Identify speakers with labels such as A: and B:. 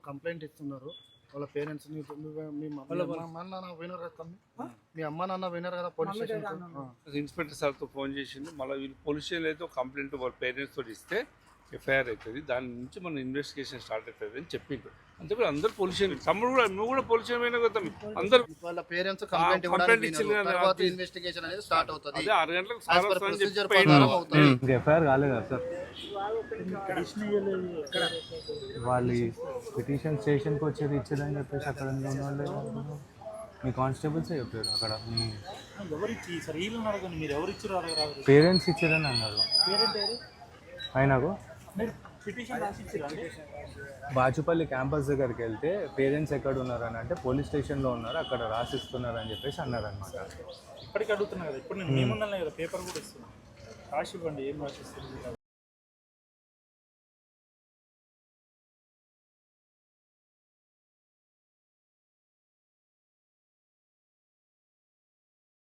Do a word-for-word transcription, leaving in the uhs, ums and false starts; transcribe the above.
A: Complaint ఇస్తున్నారు వాళ్ళ parents. మీ అమ్మ నాన్న పోయినారు కదా తమ్మి, మీ అమ్మ నాన్న పోయినారు కదా పోలీస్ స్టేషన్.
B: ఇన్స్పెక్టర్ సార్తో ఫోన్ చేసింది, మళ్ళీ వీళ్ళు పోలీస్ స్టేషన్ అయితే కంప్లైంట్ వాళ్ళ పేరెంట్స్ తోటి ఇస్తే ఎఫ్ఐఆర్ అవుతుంది, దాని నుంచి మన ఇన్వెస్టిగేషన్ స్టార్ట్ అవుతుంది అని చెప్పిండు. అంతే అందరు పోలీస్ స్టేషన్, తమ్ముడు కూడా నువ్వు కూడా పోలీస్ స్టేషన్ పోయినా కదా అందరు
A: వాళ్ళ పేరెంట్స్ కంప్లైంట్
B: కంప్లైంట్ ఇచ్చింది.
A: ఇన్వెస్టిగేషన్ అనేది స్టార్ట్ అవుతుంది.
B: అదే ఆరు గంటలకు
C: ఎఫ్ఐఆర్ కాలేదా సార్? వాళ్ళు పిటిషన్ స్టేషన్కి వచ్చేది ఇచ్చేదని చెప్పేసి అక్కడ ఉన్న వాళ్ళు మీ కానిస్టేబుల్సే చెప్పారు. అక్కడ మీ పేరెంట్స్ ఇచ్చారని అన్నారు. ఆయనకు బాచుపల్లి క్యాంపస్ దగ్గరికి వెళ్తే పేరెంట్స్ ఎక్కడ ఉన్నారు అని అంటే పోలీస్ స్టేషన్లో ఉన్నారు, అక్కడ రాసిస్తున్నారు అని చెప్పేసి అన్నారు అనమాట.
D: ఇప్పటికీ అడుగుతున్నా కదా, ఇప్పుడు నేను మేమున్నా కదా పేపర్ కూడా ఇస్తున్నాను, రాసి ఇవ్వండి ఏం రాసిస్తుంది.